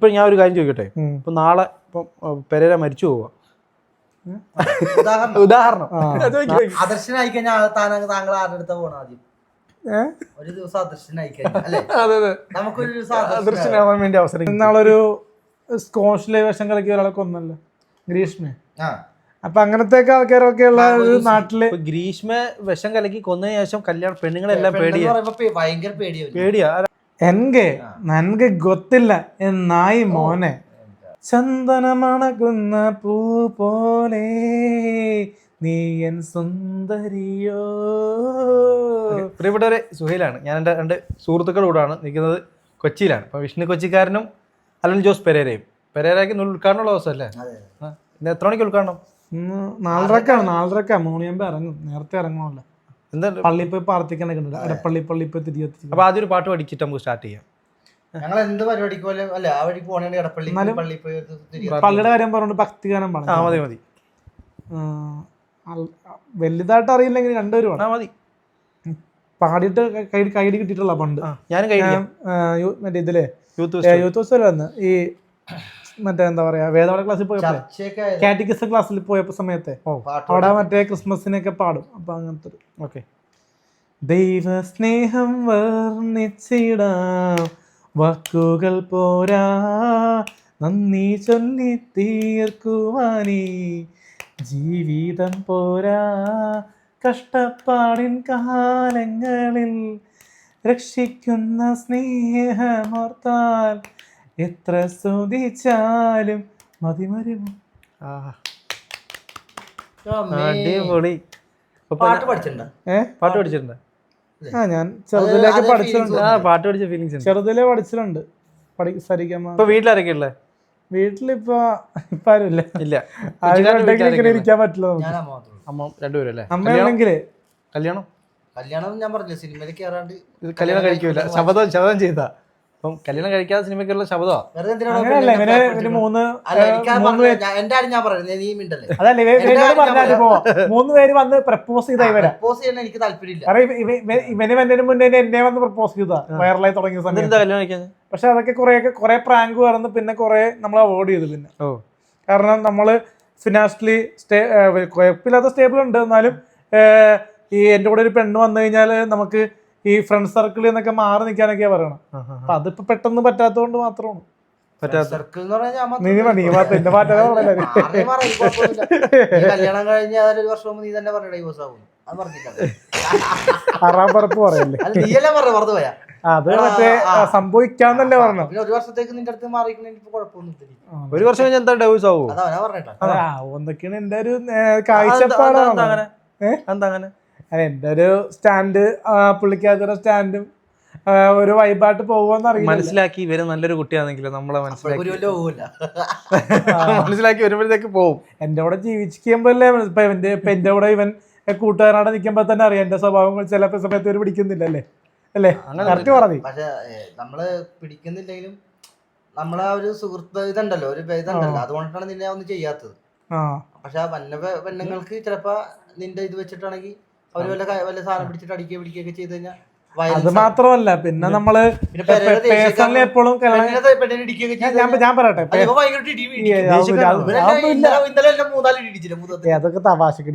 ഇപ്പൊ ഞാൻ ഒരു കാര്യം ചോദിക്കട്ടെ, ഇപ്പൊ നാളെ ഇപ്പം പെരേര മരിച്ചു പോവാ, ഉദാഹരണം അദർശനായി കഴിഞ്ഞാൽ താങ്കൾ ആരുടെ അടുത്ത പോകണം ആദ്യം? ഒരു ദിവസം അദർശനായി കഴിഞ്ഞാൽ നമുക്കൊരു ദിവസം അദർശനാവാൻ വേണ്ടി അവസരം. ഇന്നാളൊരു സ്കോഷിലെ വിഷം കലക്കിയ ഒരാളെ കൊന്നല്ലോ, ഗ്രീഷ്മ. അപ്പൊ അങ്ങനത്തെ ആൾക്കാരൊക്കെ ഉള്ള ഒരു നാട്ടില് ഗ്രീഷ്മ വിഷം കലക്കി കൊന്നതിന് ശേഷം കല്യാണം പെണ്ണുങ്ങളെല്ലാം ഭയങ്കര പേടിയാ. നൻക്ക് ഗൊത്തില്ല എന്നായി മോനെ, ചന്ദനമണകുന്ന പൂ പോലെ നീ എൻ സുന്ദരിയോ. പ്രിയപ്പെട്ടവരെ, സുഹൈലാണ്. ഞാൻ എൻ്റെ 2 സുഹൃത്തുക്കളുടെ കൂടാണ് നിൽക്കുന്നത്, കൊച്ചിയിലാണ്. അപ്പോൾ വിഷ്ണു കൊച്ചിക്കാരനും അലൻ ജോസ് പെരേരയും. പെരേരയ്ക്ക് ഉദ്ഘാടനമുള്ള ദിവസമല്ലേ? ഇന്ന് എത്ര മണിക്ക് ഉദ്ഘാടനം? 4:30 3 മണിയാകുമ്പോൾ ഇറങ്ങും. നേരത്തെ ഇറങ്ങണമല്ലോ. എന്താ പള്ളിയിൽ പോയി പ്രാർത്ഥിക്കണൊക്കെ ഉണ്ട്, അടപ്പള്ളി പോയി തിരികെ. അപ്പോൾ ആദ്യം ഒരു പാട്ട് പഠിച്ചിട്ട് നമുക്ക് സ്റ്റാർട്ട് ചെയ്യാം. ഞങ്ങൾ എന്ത് പരിപാടിക്ക് പോലെ അല്ല ആ വഴി പോകണേ ഇടപ്പള്ളി പോയി പള്ളിയുടെ കാര്യം പറഞ്ഞോണ്ട് ഭക്തിഗാനം പറഞ്ഞു. മതി. വലുതായിട്ട് അറിയില്ലെങ്കിൽ 2 പേരും മതി. പാടിയിട്ട് കൈഡി കിട്ടിയിട്ടുള്ള പണ്ട് മറ്റേ ഇതില് യൂത്ത് ഫെസ്റ്റിവൽ വന്ന് ഈ മറ്റേ എന്താ പറയാ വേദപാഠ ക്ലാസ്സിൽ പോയപ്പോ, കാറ്റഗിസം ക്ലാസ്സിൽ പോയപ്പോ സമയത്തെ അവിടെ മറ്റേ ക്രിസ്മസിനൊക്കെ പാടും. അപ്പൊ അങ്ങനത്തെ ഒരു ഓക്കെ. ദൈവ സ്നേഹം വർണ്ണിച്ചിടാം വാക്കുകൾ പോരാ, നന്ദി ചൊല്ലി തീർക്കുവാനീ ജീവിതം പോരാ, കഷ്ടപ്പാടിൻ കാലങ്ങളിൽ രക്ഷിക്കുന്ന സ്നേഹമോർത്താൽ എത്ര സ്തുതിച്ചാലും മതിമരുമോ. അടിപൊളി. പാട്ട് പഠിച്ചിട്ടുണ്ടോ? പാട്ട് പഠിച്ചിട്ടുണ്ട്. ഞാൻ ചെറുതിലേക്ക് പഠിച്ചിട്ടുണ്ട്. പാട്ട് പഠിച്ച ഫീലിങ്സ് ചെറുതിലേ പഠിച്ചിട്ടുണ്ട്. ഇപ്പൊ വീട്ടിലാരൊക്കെ ഉള്ളത്? വീട്ടിലിപ്പോ ആരും ഇല്ല. ഇരിക്കാൻ പറ്റില്ല. അമ്മ 2 പേരും അല്ലേ? അമ്മയാണെങ്കില് കല്യാണം ഞാൻ പറഞ്ഞില്ല, സിനിമയിൽ കയറാണ്ട് കല്യാണം കഴിക്കൂല. ശപഥം ചെയ്താ. അപ്പം കല്യാണം കഴിക്കാതെ സിനിമയ്ക്കുള്ള ശബ്ദമാണ്. അങ്ങനെയല്ല, ഇവന് 3 പേര് വന്ന് പ്രപ്പോസ് ചെയ്ത എനിക്ക് താല്പര്യമില്ല. ഇവന് മുന്നേ എന്നെ വന്ന് പ്രപ്പോസ് ചെയ്താ വൈറലായി തുടങ്ങിയ സമയത്ത്. പക്ഷെ അതൊക്കെ കുറെ പ്രാങ്ക് പറഞ്ഞ് പിന്നെ കുറെ നമ്മൾ അവോയ്ഡ് ചെയ്തു. പിന്നെ കാരണം നമ്മള് ഫിനാൻഷ്യലി കുഴപ്പമില്ലാത്ത സ്റ്റേബിൾ ഉണ്ട്. എന്നാലും ഈ എൻ്റെ കൂടെ ഒരു പെണ്ണ് വന്നു കഴിഞ്ഞാൽ നമുക്ക് ഈ ഫ്രണ്ട് സർക്കിളിൽ നിന്നൊക്കെ മാറി നിൽക്കാനൊക്കെയാ പറയണം. അപ്പൊ അതിപ്പോ പെട്ടെന്ന് പറ്റാത്തതുകൊണ്ട് മാത്രമാണ്. കല്യാണം കഴിഞ്ഞ 1 വർഷം നീ തന്നെ പറഞ്ഞ ഡൈവോഴ്സ് ആവും. അത് പറഞ്ഞില്ല, 6ാം പറപ്പ് പറയല്ലേ. മറന്നു പോയാ അത് മറ്റേ സംഭവിക്കാന്നല്ലേ പറഞ്ഞു. 1 വർഷത്തേക്ക് നിന്റെ അടുത്ത് മാറിക്കണെങ്കിൽ കുഴപ്പമൊന്നും. 1 വർഷം കഴിഞ്ഞാൽ എന്താ ഡൈവോഴ്സ് ആവും? എന്തൊക്കെയാണ് എന്റെ ഒരു കാഴ്ചപ്പാടാണ്. എന്റെ ഒരു സ്റ്റാൻഡ്, പുള്ളിക്കാരുടെ സ്റ്റാൻഡും ഒരു വൈബായിട്ട് പോകുമെന്ന് അറിയാം. മനസ്സിലാക്കി ഇവര് നല്ലൊരു കുട്ടിയാണെങ്കിൽ നമ്മളെ മനസ്സിലാക്കി വരുമ്പോഴത്തേക്ക് പോകും. എന്റെ കൂടെ ജീവിക്കുമ്പോഴല്ലേ ഇപ്പൊ എന്റെ കൂടെ ഇവൻ കൂട്ടുകാരനോടെ നിൽക്കുമ്പോ തന്നെ അറിയാം എന്റെ സ്വഭാവം ചില സമയത്ത് ഒരു പിടിക്കുന്നില്ലല്ലേ അല്ലേ? കറക്റ്റ് പറഞ്ഞു. പക്ഷെ നമ്മള് പിടിക്കുന്നില്ലെങ്കിലും നമ്മളെ ഒരു സുഹൃത്ത് ഇതുണ്ടല്ലോ, ഒരു ഇതുണ്ടല്ലോ, അതുകൊണ്ടാണ് നിന്നെ ഒന്നും ചെയ്യാത്തത്. പക്ഷെ ആ പെണ്ണുങ്ങൾക്ക് ചിലപ്പോ നിന്റെ ഇത് വെച്ചിട്ടാണെങ്കിൽ അവര് വല്ല സാധനം പിടിച്ചിട്ട് പിടിക്കുകയൊക്കെ ചെയ്ത് കഴിഞ്ഞാൽ അത് മാത്രമല്ല, പിന്നെ നമ്മള് പേഴ്സണലി എപ്പോഴും ഞാൻ പറയട്ടെ, അതൊക്കെ തമാശക്ക്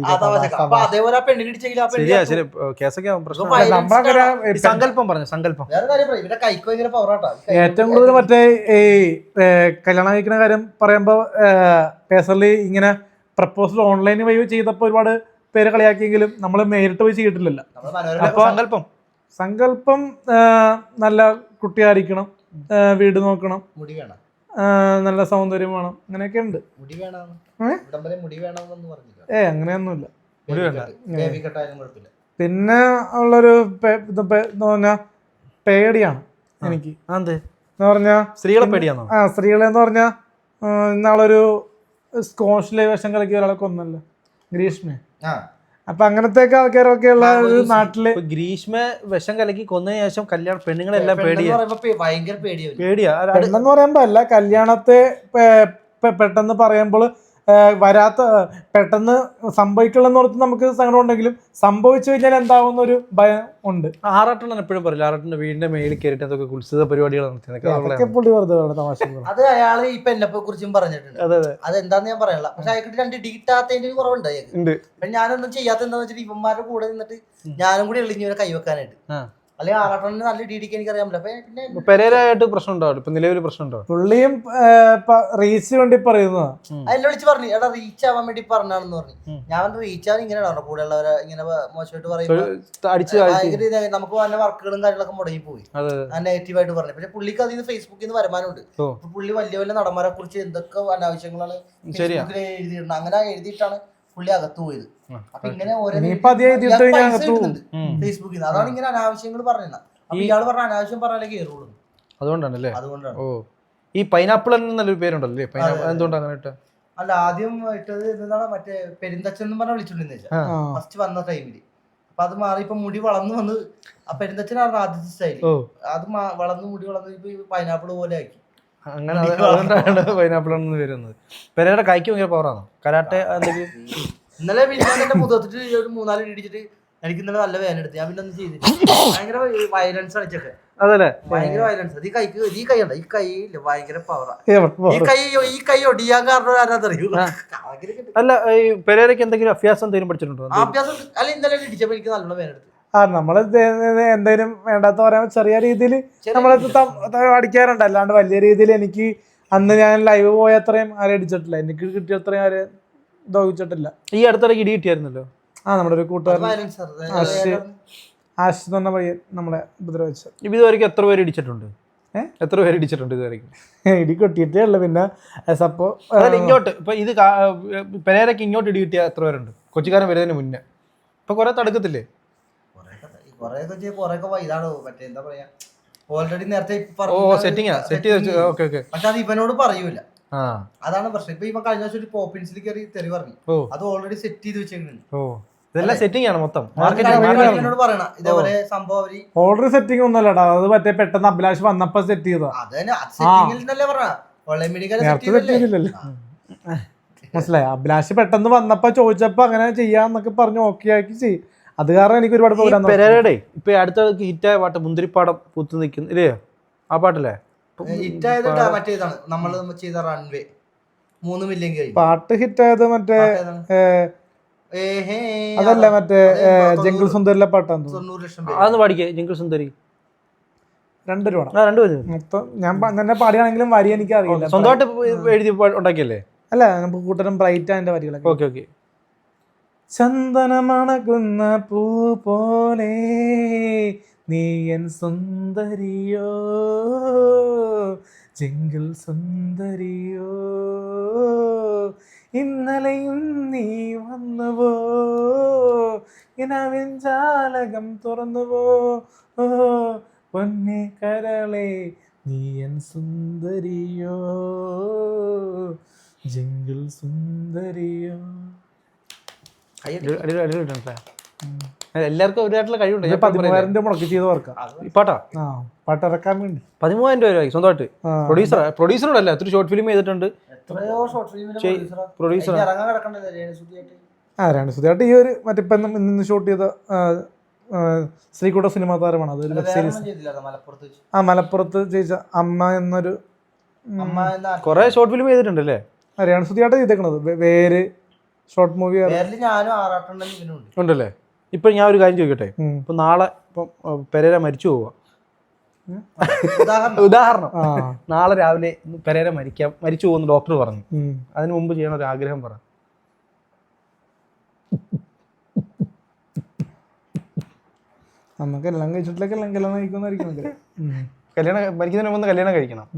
ഏറ്റവും കൂടുതൽ മറ്റേ ഈ കല്യാണം കഴിക്കുന്ന കാര്യം പറയുമ്പോ പേഴ്സണലി ഇങ്ങനെ പ്രപ്പോസൽ ഓൺലൈൻ വഴി ചെയ്തപ്പോ ഒരുപാട് പേര് കളിയാക്കിയെങ്കിലും നമ്മള് നേരിട്ട് പോയി ചെയ്തിട്ടില്ലല്ലോ. അപ്പൊ സങ്കല്പം നല്ല കുട്ടിയായിരിക്കണം, വീട് നോക്കണം, നല്ല സൗന്ദര്യം വേണം, അങ്ങനെയൊക്കെ ഉണ്ട്. അങ്ങനെയൊന്നുമില്ല. പിന്നെ ഉള്ളൊരു പേടിയാണ് എനിക്ക്. എന്ന് പറഞ്ഞാ സ്ത്രീകളെ പേടിയാണോ? സ്ത്രീകളെന്ന് പറഞ്ഞാ ഇന്നാളൊരു സ്കോഷിലെ വിഷം കലക്കിയ ഒരാളെ കൊന്നല്ലോ, ഗ്രീഷ്മ. അപ്പൊ അങ്ങനത്തെ ആൾക്കാരൊക്കെ ഉള്ള ഒരു നാട്ടില് ഗ്രീഷ്മ വിഷം കലക്കി കൊന്നതിന് ശേഷം കല്യാണം പെണ്ണുങ്ങളെല്ലാം ഭയങ്കര പെണ്ണെന്ന് പറയുമ്പോ അല്ല, കല്യാണത്തെ പെട്ടെന്ന് പറയുമ്പോൾ വരാത്ത പെട്ടെന്ന് സംഭവിക്കണമെന്ന് ഓർത്ത് നമുക്ക് സങ്കടം ഉണ്ടെങ്കിലും സംഭവിച്ചു കഴിഞ്ഞാൽ എന്താവുന്ന ഒരു ഭയം ഉണ്ട്. ആറാട്ടണ്ണൻ എപ്പോഴും പറയില്ല, ആറാട്ടന്റെ വീടിന്റെ മേളിൽ കയറിയിട്ട് അതൊക്കെ ഉത്സവ പരിപാടികൾ അതൊക്കെ പുള്ളി വെറുതെ തമാശ. അത് അയാള് ഈ പെണ്ണപ്പെ കുറിച്ചും പറഞ്ഞിട്ടുണ്ട്. അതെന്താന്ന് ഞാൻ പറയാനുള്ള, പക്ഷെ അയാൾക്ക് 2 ഡിഗിറ്റാത്തതിന്റെ ഒരു കുറവുണ്ട് അയാൾക്ക്. ഞാനൊന്നും ചെയ്യാത്ത എന്താന്ന് വെച്ചിട്ട് ഇവന്മാരുടെ കൂടെ നിന്നിട്ട് ഞാനും കൂടി എളിഞ്ഞവരെ കൈവെക്കാനായിട്ട്. അല്ലെങ്കിൽ ആറാട്ടണ്ണന് നല്ല ഡിഡിക്ക് എനിക്കറിയാൻ പറ്റില്ല. പെരേരായിട്ട് പ്രശ്നം ഉണ്ടാവും, ഇപ്പൊ നിലവിൽ പ്രശ്നം ഉണ്ടാവും. പുള്ളിയും റീച്ച് വേണ്ടി പറയുന്നതാ. അതിനെ വിളിച്ച് പറഞ്ഞു, എടാ റീച്ച് ആവാൻ വേണ്ടി പറഞ്ഞാണെന്ന് പറഞ്ഞു. ഞാൻ റീച്ച് ആവാൻ ഇങ്ങനെ പറഞ്ഞു, കൂടെ ഉള്ളവരെ ഇങ്ങനെ മോശമായിട്ട് പറയുമ്പോൾ നമുക്ക് വന്ന വർക്കുകളും കാര്യങ്ങളൊക്കെ മുടങ്ങി പോയി. നെഗറ്റീവായിട്ട് പറഞ്ഞു. പിന്നെ പുള്ളിക്ക് അതിൽ നിന്ന് ഫേസ്ബുക്കിൽ നിന്ന് വരുമാനമുണ്ട്. പുള്ളി വലിയ വലിയ നടന്മാരെ കുറിച്ച് എന്തൊക്കെ അനാവശ്യങ്ങളാണ് ഫേസ്ബുക്കിൽ എഴുതിയിട്ടുണ്ട്. അങ്ങനെ എഴുതിയിട്ടാണ് പുള്ളി അകത്ത് പോയത്. അപ്പൊ ഇങ്ങനെ ഫേസ്ബുക്കിൽ നിന്ന് അതാണ് ഇങ്ങനെ അനാവശ്യങ്ങൾ പറഞ്ഞത്. അപ്പൊ ഇയാള് പറഞ്ഞ അനാവശ്യം പറഞ്ഞാലേ കയറുള്ളൂ. അതുകൊണ്ടാണല്ലേ? അതുകൊണ്ടാണ്. ഓ, ഈ പൈനാപ്പിൾ നല്ലൊരു പേരുണ്ടല്ലേ, എന്തുകൊണ്ട് അങ്ങനെ ഇട്ട? അല്ല, ആദ്യം ഇട്ടത് എന്താണ്, മറ്റേ പെരുന്തച്ഛൻ എന്ന് പറഞ്ഞാൽ വിളിച്ചോണ്ടിരുന്ന ഫസ്റ്റ് വന്ന ടൈമില്. അപ്പൊ അത് മാറി ഇപ്പൊ മുടി വളർന്നു വന്ന് ആ പെരുന്തച്ഛനായിരുന്നു ആദ്യത്തെ സ്റ്റൈല്. അത് വളർന്ന് മുടി വളർന്ന് ഇപ്പൊ പൈനാപ്പിൾ പോലെ ആക്കി. അങ്ങനെ അതുകൊണ്ടാണ് പൈനാപ്പിൾ ആണെന്ന് വരുന്നത്. പെരയുടെ കൈക്ക് ഭയങ്കര പവറാണോ കരാട്ടെ എന്തെങ്കിലും? ഇന്നലെ പിന്നെ എന്റെ മുഖത്തിട്ട് ഒരു 3-4 ഇടിച്ചിട്ട് എനിക്ക് ഇന്നലെ നല്ല വേദന എടുത്ത്. ഞാൻ പിന്നെ ഒന്നും ചെയ്തില്ല. ഭയങ്കര വയലൻസ് കളിച്ചൊക്കെ. അതല്ലേ, ഭയങ്കര വയലൻസ്. ഈ കൈക്ക് ഈ കൈ ഉണ്ട്, ഈ കൈയില്ല ഭയങ്കര പവറാ. ഈ കൈ ഒടിയാൻ കാരണം ആരാന്നറിയൂ. അല്ല, ഈ പെരേരയ്ക്ക് എന്തെങ്കിലും അഭ്യാസം എന്തെങ്കിലും പഠിച്ചിട്ടുണ്ടോ? അഭ്യാസം അല്ല, ഇന്നലെ ഇടിച്ചപ്പോ എനിക്ക് നല്ലോണം വേദന എടുത്തു. നമ്മള് എന്തെങ്കിലും വേണ്ടാത്ത പറയാൻ ചെറിയ രീതിയിൽ നമ്മളത് അടിക്കാറുണ്ട്. അല്ലാണ്ട് വലിയ രീതിയിൽ എനിക്ക് അന്ന് ഞാൻ ലൈവ് പോയ അത്രയും ആരും അടിച്ചിട്ടില്ല. എനിക്ക് കിട്ടിയ അത്രയും ആരും ദ്രോഹിച്ചിട്ടില്ല. ഈ അടുത്തിടയ്ക്ക് ഇടി കിട്ടിയായിരുന്നല്ലോ. നമ്മുടെ ഒരു കൂട്ടുകാരൻ ആശ് എന്ന് പറഞ്ഞ പയ്യൻ നമ്മളെ ഉപദ്രവിച്ചത്. ഇതുവരെയ്ക്ക് എത്ര പേര് ഇടിച്ചിട്ടുണ്ട്? എത്ര പേര് ഇടിച്ചിട്ടുണ്ട് ഇതുവരെയ്ക്ക്? ഇടി കിട്ടിയിട്ടേ ഉള്ളു. പിന്നെ സപ്പോ ഇങ്ങോട്ട് ഇപ്പൊ ഇത് പെരേരയ്ക്ക് ഇങ്ങോട്ട് ഇടി കിട്ടിയ എത്ര പേരുണ്ട്? കൊച്ചിക്കാരൻ വരുന്നതിന് മുന്നേ ഇപ്പൊ കുറെ തടുക്കത്തില്ലേ? ഇതാണ് മറ്റേ എന്താ പറയാ, ഓൾറെഡി നേരത്തെ പക്ഷെ അത് ഇവനോട് പറയൂല. അതാണ് പ്രശ്നം. ഇപ്പൊ ഇവൻ കഴിഞ്ഞ വർഷം ഒരു പോപ്പിൻസിൽ കയറി തെറി പറഞ്ഞു. അത് ഓൾറെഡി സെറ്റ് ചെയ്ത് വെച്ചേക്കുന്നുണ്ട്. ഇതെല്ലാം സെറ്റിംഗ് ആണ് മൊത്തം. പറയണ ഇതേപോലെ സംഭവം ഓൾറെഡി സെറ്റിംഗ് ഒന്നുമല്ലടാ, അത് മറ്റേ പെട്ടെന്ന് അഭിലാഷ് വന്നപ്പോ സെറ്റ് ചെയ്തതാ. മനസ്സിലായി? അഭിലാഷ് പെട്ടെന്ന് വന്നപ്പോ ചോദിച്ചപ്പോ അങ്ങനെ ചെയ്യാന്നൊക്കെ പറഞ്ഞു ഓക്കെ ആക്കി ചെയ്യും. അത് കാരണം എനിക്ക് ഒരുപാട് പെരേരയുടെ ഇപ്പൊ അടുത്ത ഹിറ്റായ പാട്ട് മുന്തിരിപ്പാടം പൂത്ത് നിൽക്കുന്നു ഇല്ലേ? ആ പാട്ടല്ലേ ഹിറ്റായത്? മറ്റേതാണ് നമ്മൾ ചെയ്ത റൺവേ 3 മില്യൺ പാട്ട് ഹിറ്റായത്. മറ്റേ അതല്ല, മറ്റേ ജംഗിൾ സുന്ദരിലെ പാട്ടാന്ന് 90 ലക്ഷം. അതൊന്ന് പാടിക്കേ, ജംഗിൾ സുന്ദരി. 2 രൂപ മൊത്തം ഞാൻ തന്നെ പാടിയാണെങ്കിലും വരി എനിക്ക് അറിയില്ല. സ്വന്തമായിട്ട് എഴുതി ഉണ്ടാക്കിയല്ലേ? അല്ല, നമുക്ക് കൂട്ടരും ബ്രൈറ്റ് അതിന്റെ വരികളൊക്കെ. Okay okay. ചന്ദനമണകുന്ന പൂ പോലെ നീ എൻ സുന്ദരിയോ, ജംഗിൾ സുന്ദരിയോ, ഇന്നലെയും നീ വന്നുവോ, ഇനവിൻ ജാലകം തുറന്നുവോ, പൊന്നെ കരളെ നീ എൻ സുന്ദരിയോ, ജംഗിൾ സുന്ദരിയോ. എല്ലാവർക്കും ഒരായിട്ടുള്ള കഴിവുണ്ട്. 13,000 രൂപ മുടക്കി ചെയ്ത വർക്കാ പാട്ടാ. പാട്ടിറക്കാൻ വേണ്ടി 13,000 രൂപ സ്വന്തമായിട്ട്. പ്രൊഡ്യൂസറോടല്ല, ഒത്തിരി ഷോർട്ട് ഫിലിം ചെയ്തിട്ടുണ്ട്. പ്രൊഡ്യൂസർ രേണുസുതിയായിട്ട് ഈ ഒരു മറ്റേ ഇന്ന് ഷൂട്ട് ചെയ്ത ശ്രീകുട്ട സിനിമാ താരമാണ്. അതൊരു വെബ് സീരീസ്. മലപ്പുറത്ത് ചെയ്ത അമ്മ എന്നൊരു കുറെ ഷോർട്ട് ഫിലിം ചെയ്തിട്ടുണ്ടല്ലേ? രേണുസുതിയായിട്ട് ചെയ്തേക്കണത് വേര് ഷോർട്ട് മൂവി ഉണ്ടല്ലേ? ഇപ്പൊ ഞാൻ ഒരു കാര്യം ചോദിക്കട്ടെ, ഇപ്പൊ നാളെ ഇപ്പം പെരേര മരിച്ചു പോവുക, ഉദാഹരണം, നാളെ രാവിലെ പെരേര മരിച്ചു പോകുന്ന ഡോക്ടർ പറഞ്ഞു, അതിനു മുമ്പ് ചെയ്യണ ഒരു ആഗ്രഹം പറ. നമുക്ക് എല്ലാം കഴിച്ചിട്ടില്ലെങ്കിൽ കല്യാണം കഴിക്കുന്നതായിരിക്കും. മരിക്കുന്നതിന് മുമ്പ് കല്യാണം കഴിക്കണം.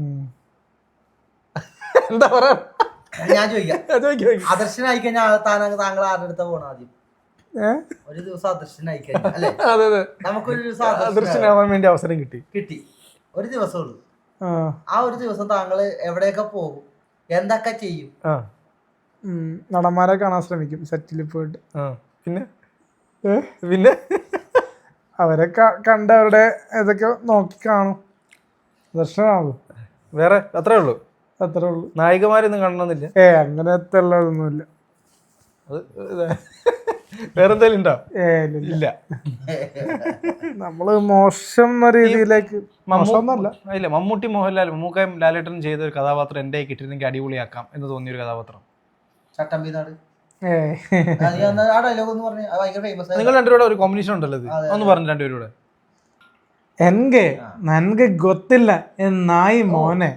എന്താ പറയാ? ഞാൻ ചോദിക്കാം, അദർശനായി കഴിഞ്ഞാൽ താങ്കൾ ആരുടെ അടുത്ത പോകണം ആദ്യം? ഒരു ദിവസം അദർശനായി കഴിഞ്ഞാൽ അല്ലെ, നമുക്കൊരു ദിവസം അദർശനാവാൻ വേണ്ടി അവസരം കിട്ടി. ഒരു ദിവസമുള്ളൂ. ആ ഒരു ദിവസം താങ്കൾ എവിടെയൊക്കെ പോകും, എന്തൊക്കെ ചെയ്യും? നടന്മാരെ കാണാൻ ശ്രമിക്കും സെറ്റിൽ പോയിട്ട്. പിന്നെ അവരെ കണ്ട് അവരുടെ ഇതൊക്കെ നോക്കി കാണും. ദർശനമാകും. വേറെ അത്രേ ഉള്ളൂ. അത്രേ ഉള്ളൂ. നായികമാരൊന്നും കാണണമെന്നില്ല. അങ്ങനത്തെ ഉള്ളതൊന്നുമില്ല. അത് വേറെന്തെങ്കിലും ഉണ്ടോ? ഇല്ല. നമ്മള് മോശം എന്ന രീതിയിലേക്ക് ഇല്ല. മമ്മൂട്ടി മോഹൻലാൽ മമ്മൂക്കയും ലാലേട്ടനും ചെയ്ത ഒരു കഥാപാത്രം എന്റെ കിട്ടിയിരുന്നെങ്കിൽ അടിപൊളിയാക്കാം എന്ന് തോന്നിയ ഒരു കഥാപാത്രം. ചട്ടമ്പിനാട്. നിങ്ങൾ രണ്ടുപേരുടെ ഒരു കോമ്പിനേഷൻ ഉണ്ടല്ലോ, ഒന്ന് പറഞ്ഞു രണ്ടുപേരുടെ. നൻಗೆ ಗೊತ್ತಿಲ್ಲ നായി മോനെ.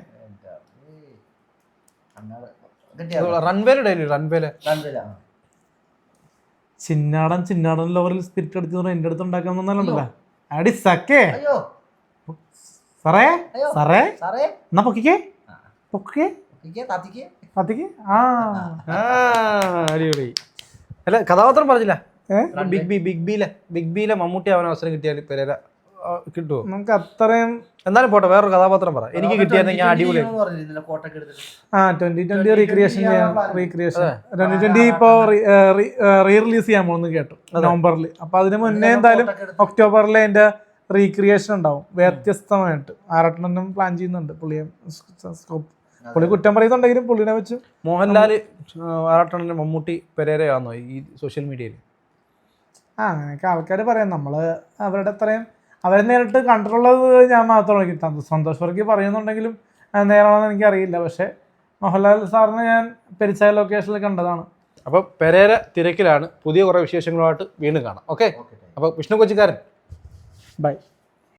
റൺവേയുടെ ഡയലോഗ്. റൺവേല ചിന്നാടൻ ലോറിൽ സ്പിരിറ്റ് അടിച്ചു എന്റെ അടുത്ത് ഉണ്ടാക്കാൻ വന്നാലുണ്ടല്ലോ അടി സക്കേ. സാറേ എന്നാ പൊക്കിക്കേ അടിപൊളി. അല്ല കഥാപാത്രം പറഞ്ഞില്ല. ബിഗ് ബിയിലെ മമ്മൂട്ടി അവൻ അവസരം കിട്ടിയാൽ പെരേര കിട്ടുമോ? നമുക്ക് അത്രയും എന്നാലും പോട്ടെ, വേറൊരു കഥാപാത്രം പറ. എനിക്ക് കിട്ടിയായിരുന്നെങ്കിൽ അടിപൊളി. 2020 റീക്രിയേഷൻ 2020 ഇപ്പൊ റീ റിലീസ് ചെയ്യാൻ പോകുന്നു കേട്ടു നവംബറിൽ. അപ്പൊ അതിന് മുന്നേ എന്തായാലും ഒക്ടോബറിൽ അതിന്റെ റീക്രിയേഷൻ ഉണ്ടാവും വ്യത്യസ്തമായിട്ട്. ആറട്ടനും പ്ലാൻ ചെയ്യുന്നുണ്ട്. പുള്ളി കുറ്റം പറയുന്നുണ്ടെങ്കിലും പുള്ളിനെ വെച്ച് മോഹൻലാല് ആറട്ടനും മമ്മൂട്ടി പെരേരയാണോ ഈ സോഷ്യൽ മീഡിയയിൽ? അങ്ങനെയൊക്കെ ആൾക്കാർ പറയാം. നമ്മള് അവരുടെ അത്രയും അവരെ നേരിട്ട് കണ്ടിട്ടുള്ളത് ഞാൻ മാത്രമാണ് കിട്ടാൻ. സന്തോഷ് വർക്കി പറയുന്നുണ്ടെങ്കിലും നേരാണെന്ന് എനിക്കറിയില്ല. പക്ഷെ മോഹൻലാൽ സാറിനെ ഞാൻ പെരിച്ചായ ലൊക്കേഷനിൽ കണ്ടതാണ്. അപ്പോൾ പെരേര തിരക്കിലാണ്. പുതിയ കുറേ വിശേഷങ്ങളുമായിട്ട് വീണ്ടും കാണാം. ഓക്കെ. അപ്പോൾ വിഷ്ണു കൊച്ചിക്കാരൻ ബൈ.